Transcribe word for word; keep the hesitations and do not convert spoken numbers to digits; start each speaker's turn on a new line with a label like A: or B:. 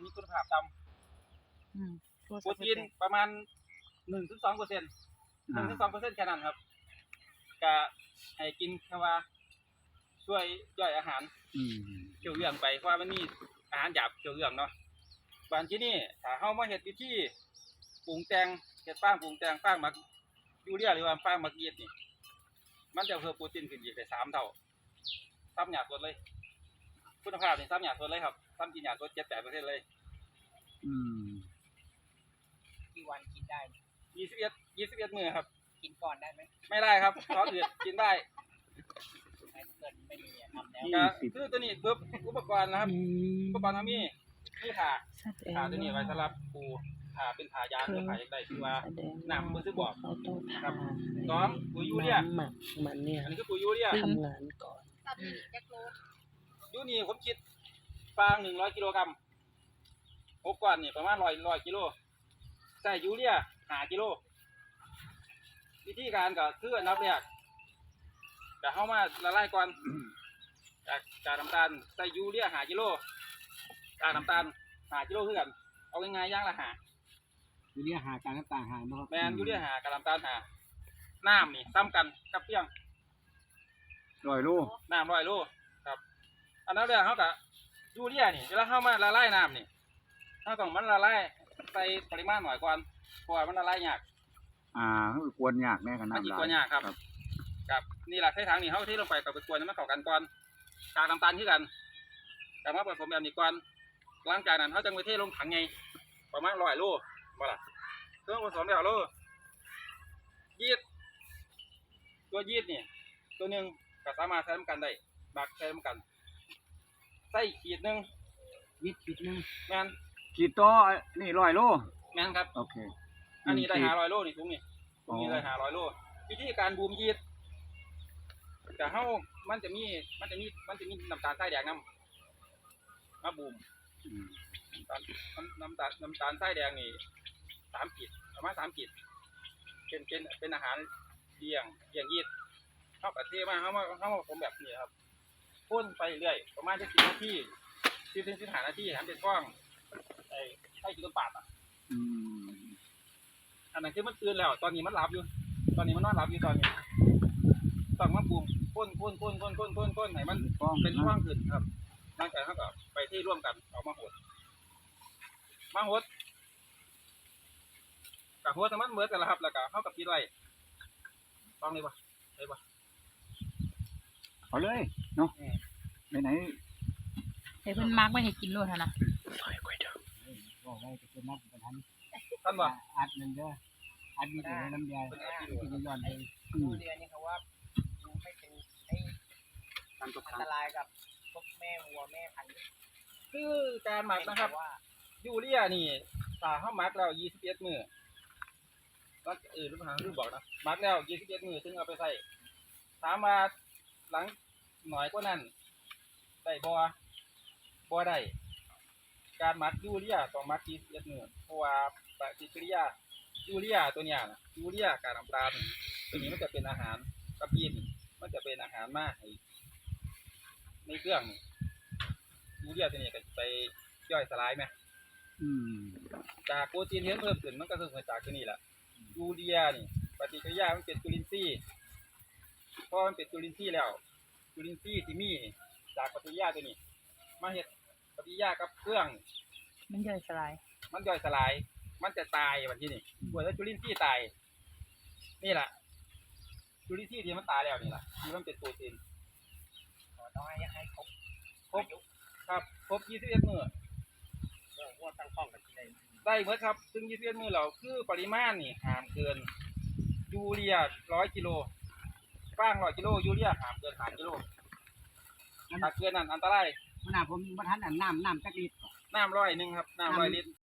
A: มีคุณภาพต่ำโปรตีนประมาณหนึ่งถึงสองเปอร์เซ็นต์หนึ่งถึงสองเปอร์เซ็นต์แค่นั้นครับก็ให้กินแค่ว่าช่วยย่อยอาหารเกี่ยวเรื่องไปเพราะว่ามันมีอาหารหยาบเกี่ยวเรื่องเนาะบางที่นี่ถ้าเฮามาเฮ็ดวิธีปรุงแต่งเฮ็ดฟางปรุงแต่งฟางหมักยูเรียหรือว่าฟางหมักยีสต์นี่มันจะเพิ่มโปรตีนขึ้นอีกได้สามเท่าซ้ำหยาสดเลยคุณภาพนี่ซ้ำหยาสดเลยครับซ้ำกินหยาสดเจ็ดแปดเปอร์เซ็นต์เลย
B: อืม
C: กี่วันกินได้
A: ยี่สิบเอ็ดยี่สิบเอ็ดมื้อครับ
C: กินก่อนได้ไหม
A: ไม่ได้ครับท้องอืดกินได้
C: เกิดไม่มีทำแล้ว
A: คือตัวนี้ปุ๊บอุปกรณ์นะครับอุปกรณ์ทำนี่นี่ผ่าผ่าตัวนี้ไว้สำหรับปูผ่าเป็นผ่ายางหรือผ่าอย่างใดคือว่าน้ำมือซื้อบอกครับสองปุ๋ยยูเรีย
B: หมักมันเนี่ย
A: อันนี้คือปุ๋ยยูเรีย
B: ทำงานก่อน
A: ยูนี่ผมคิดฟางหนึ่งร้อยกิโลกรัมหกก้อนนี่ประมาณร้อยร้อยกิโลใส่ยูเรียหากิโลวิธีการก็คืออันดับแรกจะเข้ามาละลายก่อนจากจากน้ำตาลใส่ยูเรียหากิโลจากน้ำตาลหากิโลคือกันเอาง่ายๆย่างละหา
B: ยูเรียหาการน้ำตาลหาเนาะ
A: แมนยูเรียหากับน้ำตาลหาน้ำนี่ซ้ำกันกับเพียง
B: ร้อยโล
A: น้ำร้อยโลครับอันนั้นเรื่องเขากับยูเรียนี่เวลาเข้ามาละลายน้ำนี่ถ้าต้องมันละลายใส่ปริมาณหน่อยก่อนเพราะว่ามันละลายยาก
B: อ่าคือกวนยากแน่กัน
A: น้ำกวนยากครับกับนี่แหละใช้ทางนี่เขาที่ลงไปกับไปกวนมันเข้ากันก่อนกากน้ำตาลที่กันแต่ว่าผสมแบบนี้ก่อนหลังจากนั้นเขาจะไปเทลงถังไงประมาณร้อยโลบ่ล่ะเครื่องผสมแล้วโลยีสต์ตัวยีสต์นี่ตัวหนึ่งก็สามารถใช้ร่วมกันได้บักใช้ร่วมกันใส่ขีดหนึ่ง
B: ยีสต์ขีดหนึ่ง
A: แมน
B: ขีดต่อนี่ร้อยโล
A: แมนครับ
B: โอเค
A: อันนี้ได้หาร้อยโลนี่ถุงนี่ถุงนี้ได้หาร้อยโลวิธีการบูมยีสต์แต่เฮ้ามันจะมีมันจะมีมันจะมีน้ำตาลทรายแดงน้ำมาบูมน้ำตาลน้ำตาลทรายแดงนี่สามขีดประมาณสามขีดเป็นเป็นเป็นอาหารเลี้ยงเลี้ยงยีสต์เข้ากับเทมาเข้ามาเข้ามาผมแบบนี้ครับพ่นไปเรื่อยประมาณจะสิบนาทีสิบถึงสิบห้านาทีทำเป็นก้องไอ้ไอ้กินต้นปาดอ่ะอันนั้นคือมันตื่นแล้วตอนนี้มันหลับอยู่ตอนนี้มันนอนหลับอยู่ตอนนี้ต้องมาบูมพ่นพ่นพ่นพ่นพ่นพ่นพ่นไหนมันเป็นช่วงขึ้นครับร่างกายเขาก็ไปที่ร่วมกันออกมาหดมาหดกับหัวสมันเหมือนกันละครับแล้วก็เข้ากับปีไรต้องเลยปะเลยปะ
B: เอาเลยเนาะไหนไหน
D: เฮ้ยเพิ่นมาร์กไม่ให้กินโลดนะ
B: บอกไว้จะเป็นนักประทัน
A: ท่านว่า
B: อัดมันเด้ออัดมีแต่น้ำยาที่จะย้อนเลย
C: ดูเรียนนี่เขาว่าไม่เป็นอันตรายกับพวกแม่วัวแม่พันธุ์
A: คือการหมักนะครับยูเรียนี่ตาเข้ามักแล้วยี่สิบเอ็ดมือแล้วเออรู้ทางรู้บอกนะมักแล้วยี่สิบเอ็ดมือถึงเอาไปใส่ถามมาหลังหน่อยก็นั่นได้บัวบัวได้การมักยูเรียต้องมักยี่สิบเอ็ดมือเพราะว่าปฏิกิริยายูเรียตัวเนี้ยนะยูเรียการน้ำตาลตัวนี้มันจะเป็นอาหารกระปินมันจะเป็นอาหารมากในเครื่องยูเรียตัวนี้ก็ไปย่อยสลายไหมจากโปรตีนที่เพิ่มขึ้นมันก็คือจากตัวนี้แหละยูเรียนี่ปฏิกิริยามันเป็นจุลินทรีย์พอมันเป็นจุลินทรีย์แล้วจุลินทรีย์ที่มีจากปฏิกิริยาตัวนี้มาเห็ดปฏิกิริยากับเครื่อง
D: มันย่อยสลาย
A: มันย่อยสลายมันจะตายวันที่นี่เมื่อจุลินทรีย์ตายนี่แหละจุลินทรีย์ที่มันตายแล้วนี่แหละที่มันเป็นโปรตีน
C: ต้องให้ให้ครบ
A: ครบครับครบยี่สิบเอ็ดมื้อ
C: ว่าตั้งข้องกันที่ไหน
A: ได้เมื่อครับซึ่งยี่สิบเอ็ดมื้อเราคือปริมาณนี่ห้ามเกินยูเรียร้อยกิโลฟางร้อยกิโลยูเรียห้ามเกินสามกิโลถ้าเกินนั้นอันตราย
B: ขนาดผมมาทันน้ำน้ำจักลิตร
A: น้ำร้อยหนึ่งครับน้ำร้อยลิตร